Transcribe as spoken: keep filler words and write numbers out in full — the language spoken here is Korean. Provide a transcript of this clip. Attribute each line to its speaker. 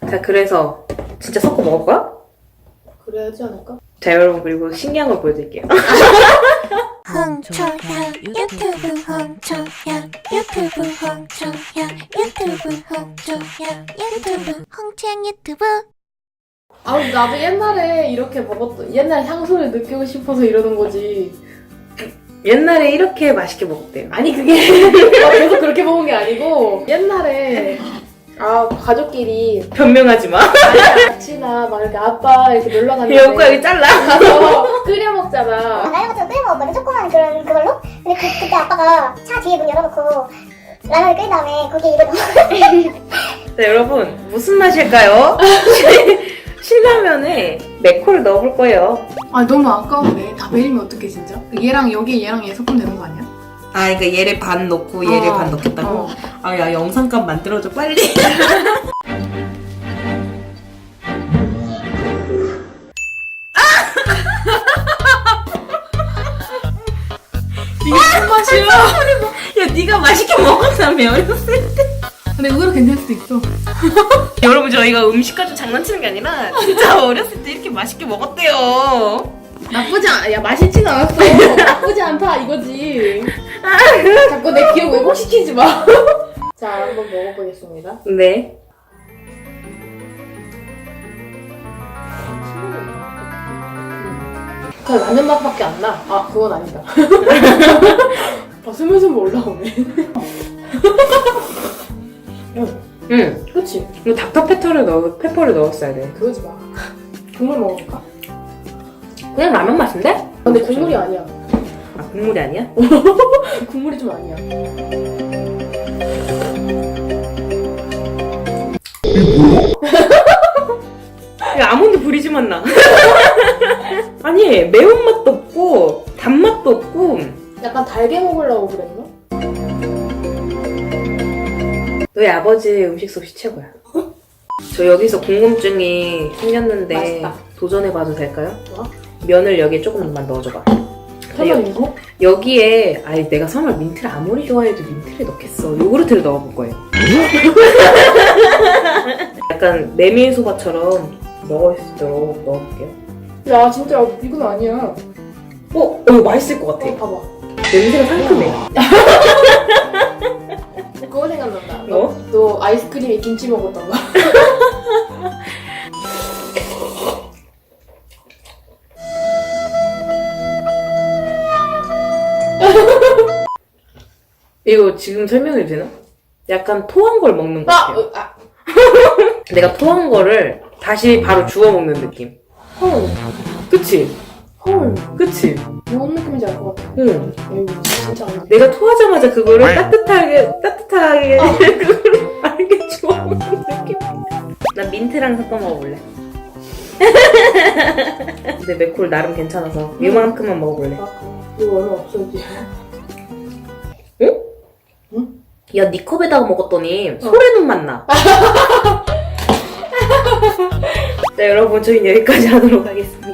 Speaker 1: 자, 그래서 진짜 섞어 먹을 거야?
Speaker 2: 그래야지 않을까?
Speaker 1: 자, 여러분, 그리고 신기한 걸 보여드릴게요.
Speaker 3: 홍초향 유튜브 홍초향 유튜브 홍초향 유튜브 홍초향 유튜브 홍초향 유튜브.
Speaker 2: 아 나도 옛날에 이렇게 먹었던 옛날 향수를 느끼고 싶어서 이러는 거지.
Speaker 1: 옛날에 이렇게 맛있게 먹었대요.
Speaker 2: 아니 그게 나 계속 그렇게 먹은 게 아니고 옛날에 아 가족끼리
Speaker 1: 변명하지 마.
Speaker 2: 같이나 막 이렇게 아빠 이렇게 놀러 갔는데
Speaker 1: 여기 여기 잘라.
Speaker 2: 가서 끓여 먹잖아.
Speaker 4: 라면 같은 거 끓여 먹었거든, 조그만 그런 그걸로. 근데 그, 그때 아빠가 차 뒤에 문 열어놓고 라면을 끓인 다음에 거기에 이걸 넣어.
Speaker 1: 자, 여러분, 무슨 맛일까요? 신라면에 맥콜을 넣어볼 거예요.
Speaker 2: 아 너무 아까운데 다 베리면 어떡해 진짜? 얘랑 여기 얘랑 얘 섞으면 되는 거 아니야?
Speaker 1: 아, 그러니까 얘를 반 넣고 얘를
Speaker 2: 어.
Speaker 1: 반 넣겠다고?
Speaker 2: 어.
Speaker 1: 아, 야, 영상감 만들어줘, 빨리.
Speaker 2: 이게 무슨 맛이야?
Speaker 1: 야, 네가 맛있게 먹었다며, 어렸을 때.
Speaker 2: 근데 의외로 괜찮을 수도 있어.
Speaker 1: 여러분, 저희가 음식 가지고 장난치는 게 아니라 진짜 어렸을 때 이렇게 맛있게 먹었대요.
Speaker 2: 나쁘지 않아. 야 맛있진 않았어. 나쁘지 않다 이거지. 자꾸 내 기억 왜곡시키지 마. 자 한번 먹어보겠습니다.
Speaker 1: 네.
Speaker 2: 그 라면 맛밖에 안 나. 아 그건 아니다. 아 스물스물 올라오네. 응,
Speaker 1: 응.
Speaker 2: 그렇지.
Speaker 1: 이거 닥터페퍼를 넣어, 페퍼를 넣었어야 돼.
Speaker 2: 그러지 마. 국물 먹어볼까?
Speaker 1: 그냥 라면 맛인데?
Speaker 2: 근데 국물이 아니야.
Speaker 1: 아, 국물이 아니야?
Speaker 2: 국물이 좀 아니야.
Speaker 1: 야, 아몬드 브리즈맛 나. 아니, 매운맛도 없고 단맛도 없고.
Speaker 2: 약간 달게 먹으려고 그랬나?
Speaker 1: 너희 아버지 음식 솜씨 최고야. 저 여기서 궁금증이 생겼는데
Speaker 2: 맛있다.
Speaker 1: 도전해봐도 될까요?
Speaker 2: 뭐?
Speaker 1: 면을 여기에 조금만 넣어줘봐.
Speaker 2: 설마 이거?
Speaker 1: 여기에 아니 내가 설마 민트를 아무리 좋아해도 민트를 넣겠어. 요구르트를 넣어볼 거예요. 약간 메밀소바처럼 먹을 수 있도록 넣어볼게요.
Speaker 2: 야 진짜 이건 아니야.
Speaker 1: 어? 어 이거 맛있을 것 같아.
Speaker 2: 어, 봐봐.
Speaker 1: 냄새가 상큼해.
Speaker 2: 그거 생각난다.
Speaker 1: 뭐?
Speaker 2: 너 아이스크림에 김치 먹었던 거.
Speaker 1: 이거 지금 설명해도 되나? 약간 토한 걸 먹는 것
Speaker 2: 아,
Speaker 1: 같아요.
Speaker 2: 어, 아,
Speaker 1: 내가 토한 거를 다시 바로 주워 먹는 느낌.
Speaker 2: 헐,
Speaker 1: 그치?
Speaker 2: 헐.
Speaker 1: 그치?
Speaker 2: 뭔 느낌인지 알 것 같아.
Speaker 1: 응.
Speaker 2: 에이, 진짜 안 돼.
Speaker 1: 내가 토하자마자 그거를 따뜻하게, 따뜻하게, 그거를 빠르게 주워 먹는 느낌. 나 민트랑 섞어 먹어볼래. 근데 맥콜 나름 괜찮아서 이만큼만 먹어볼래.
Speaker 2: 아, 이거 얼마 없어지.
Speaker 1: 응?
Speaker 2: 응?
Speaker 1: 야, 네 컵에다가 먹었더니 소래눈 맛 나. 자, 여러분, 저희는 여기까지 하도록 하겠습니다.